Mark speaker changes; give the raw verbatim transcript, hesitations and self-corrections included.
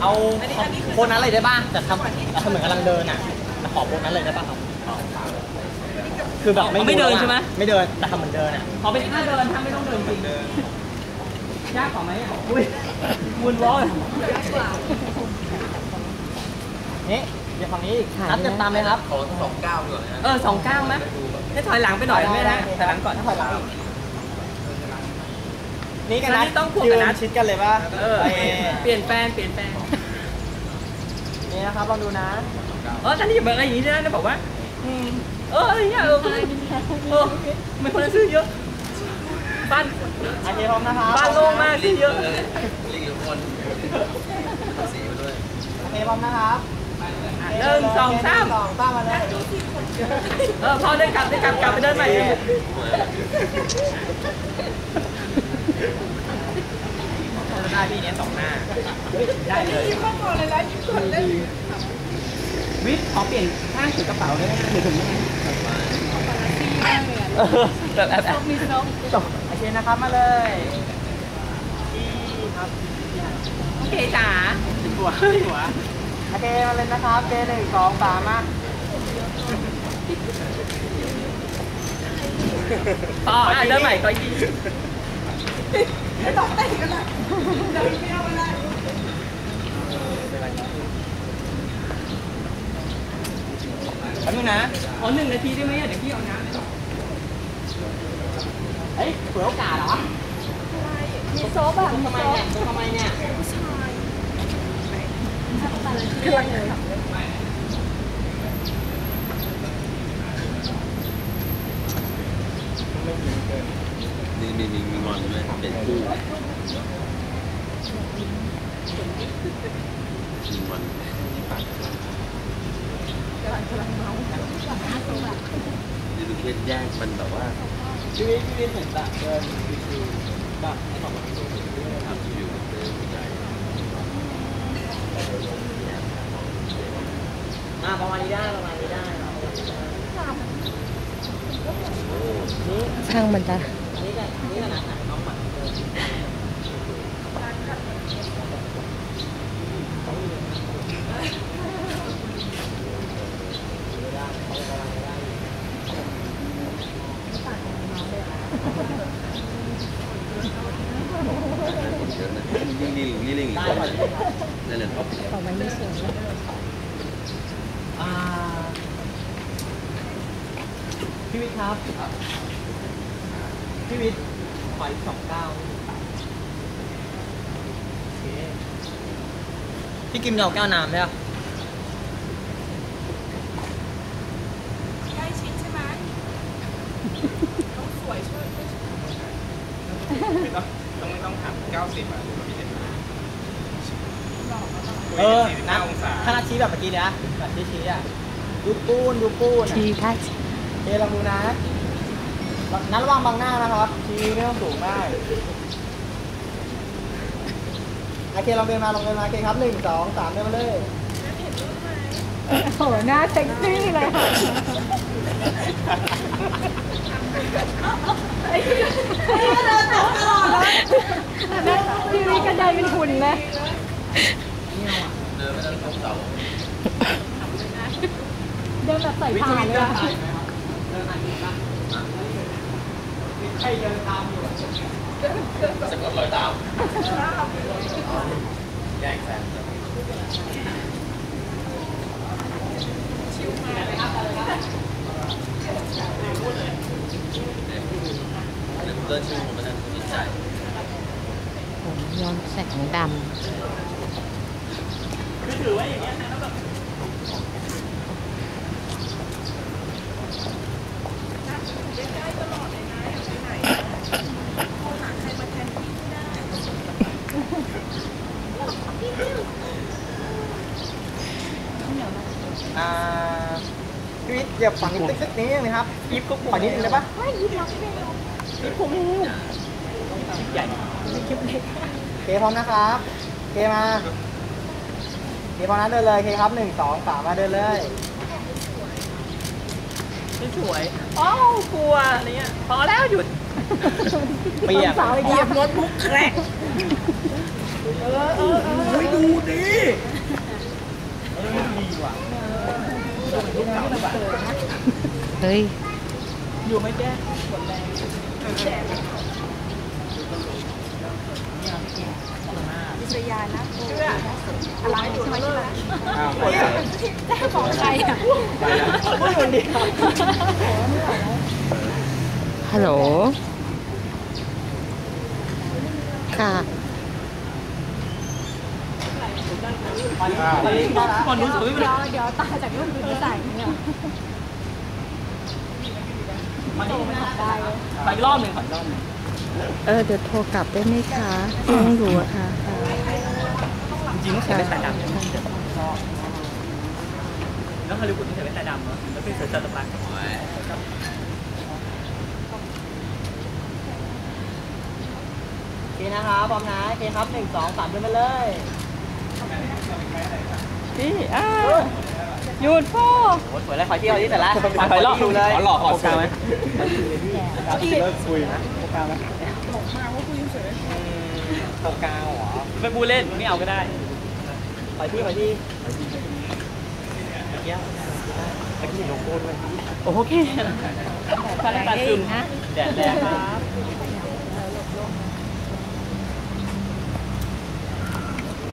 Speaker 1: เอาโพสนั้นเลยได้ป่ะแต่ทำทำเหมือนกำลังเดินอ่ะขอโพสนั้นเลยได้ป่ะครับคือแบบไม่เดินใช่ไหมไม่เดินแต่ทำเหมือนเดินอ่ะขอเป็นท่าเดินท่าไม่ต้องเดินจริงยากกว่าไหมอุ้ยมุนร้อนนี่เดี๋ยวฝั่งนี้อีกนัดเต็มตามเลยครับขอสองเก้าก่อนนะเออสองเก้าไหมให้ถอยหลังไปหน่อยไม่ได้ถอยหลังก่อนถอยหลังนี่กันนะต้องยืนชิดกันเลยป่ะเออเปลี่ยนแปลงเปลี่ยนแปลงนี่นะครับลองดูนะเออท่านนี่แบบอะไรอย่างนี้นะบอกว่าเอออะไรเงี้ยเออเออไม่คนซื้อเยอะบ้านโอเคพร้อมนะครับบ้านโล่งมากซื้อเยอะลิงอยู่คนสีมาด้วยโอเคพร้อมนะครับหนึ่งสองสามสองตั้งมาเลยเออพอได้กลับได้กลับกลับไปเดินใหม่หน้าพี่เนี้ยสองหน้าได้เลยยิ้มก่อนเลยนะยิ้มก่อนเลยวิทย์ขอเปลี่ยนข้างถือกระเป๋าได้ไหมหรือถึงยังไงแบบแบบแบบมีน้องจบโอเคนะครับมาเลยครับโอเคจ๋าหัวหัวโอเคมาเลยนะครับเจหนึ่งสองสามมาต่ออ่ะเดินใหม่ก็ยี่ไม่ต้องเต้นกันเลยเดินไม่เอาไปเลยแป๊บนึงนะขอหนึ่งนาทีได้ไหมเดี๋ยวพี่เอาน้ำเฮ้ยเผื่อโอกาสเหรอมีโซ่แบบทำไมเนี่ยทำไมเนี่ยผู้ชายกำลังเลย
Speaker 2: นี่มีมีมีงอนด้วยเป็นคู่มีงอนนี่ดูเพศแยกมันแบบว่า
Speaker 1: ชีวิตชีวิตเหมือนแบบเดินชิวๆแบบไอ้ของมัน
Speaker 2: ทำอยู่เดินใหญ่
Speaker 1: อ่าประมาณนี้ได้ประมาณนี้ได้นี่
Speaker 3: ช่างมันจ้ะ
Speaker 1: นี่กันนี่กันนะน้องหมัน
Speaker 2: ยิ่งนี่นี่ลิงอีกคนนั่นแหละท็อป
Speaker 3: ต่อไปไม่สวย
Speaker 1: อ่าพี่วิทย์ครับพี่วิทย์ขออีกสองเก้าพี่กิมเอาแก้วน้ำได้ปะ
Speaker 4: ใกล้ชิดใช่ไหมต้องสวยช่วย
Speaker 5: ไม่ต้องต้องไม่ต้องถามเก้าสิบอ่ะพี่เห็น
Speaker 1: เออนะถ้านัดชี้แบบเมื่อกี้เนี่ยแบบชี้ชี้อ่ะดูปูนดูปูน
Speaker 3: ชี้ค่ะ
Speaker 1: เอลองดูนะนั้นระวังบังหน้านะครับชี้ไม่ต้องสูงมากโอเคลองเดินมาลองเดินมาโอเคครับหนึ่งสองสามเดินมาเลย
Speaker 3: โอ้โหหน้าเซ็กซี่เลยค่ะพี่วิกระจายเป็นหุ่นเลย
Speaker 2: เดินไม่ต้องทบเสา
Speaker 3: เดินแบบใส่ผ้าเลยอะ
Speaker 1: ใครเดินตามอยู่
Speaker 2: สะกดรอยตามแยกแสนชิวมากเลยครับเดี๋ยวเดินชิวผมไม่ได้สนใจ
Speaker 3: ผมย้อมแสงดำ
Speaker 1: คือถือว่าอย่างเงี้ยนะแบบอ่าพี่วิทย์อย่าฝังติ๊กติ๊กนี้เลยครับยิบก็ขอนิดนึงได้ปะไม่ยิบรับไม่เอายิบผมเองใหญ่คลิปเล็กเคพร้อมนะครับเคมาเคพร้อมนะเดินเลยเคครับหนึ่งสองสามมาเดินเลยสวยอ้าวกลัวอะไรเงี้ยพอแล้วหยุดเปียกเหยียบรถบุ๊กแครกเออเออเออดูดิเออดีว่ะ
Speaker 3: เฮ้ย
Speaker 1: อยู่ไหมแจ๊กดแรง
Speaker 4: วิทยานะโอ้
Speaker 1: อะไรอยู่ใช่ไหมใช่ไหม
Speaker 2: อ้าวไป
Speaker 4: แจ้ของใครอ่ะ
Speaker 1: ไม่คนเดียว
Speaker 3: ฮัลโหล ค่ะ
Speaker 1: ก่อนนู้นสวยไปเลย
Speaker 4: เดี๋ยวตาจากรูปดูใส่เนี่ย
Speaker 1: มานี่ไม่ได้ขออีกรอบหนึ่งขออีกรอบหนึ่ง
Speaker 3: เออ เดี๋ยวโทรกลับได้ไหมคะยังอยู่อะค่ะค่ะ
Speaker 1: จริงๆต้องใส่แว่นตาดำแล้วฮอลลีวูดต้องใส่แว่นตาดำเนาะแล้วเป็นเสือจัตรพันโอเคนะครับพร้อมนะโอเคครับหนึ่งสองสามขึ้นไปเลยพี่อ้าหยุดพ่อโอ้สวยแล้วขอเที่ยวที่เสร็จแล้วขอรอบดูเลยขอหลอกขอสูงไหมเลิกคุยนะโปรกาวไหมบอกมาว่าคุยเฉยโปรกาวเหรอไม่พูดเล่นไม่เอาก็ได้ขอที่ขอที่เยี่ยมแล้วก็มีโลโก้ด้วยโอเคถ้าได้ตัดซึมแดดแรงครับ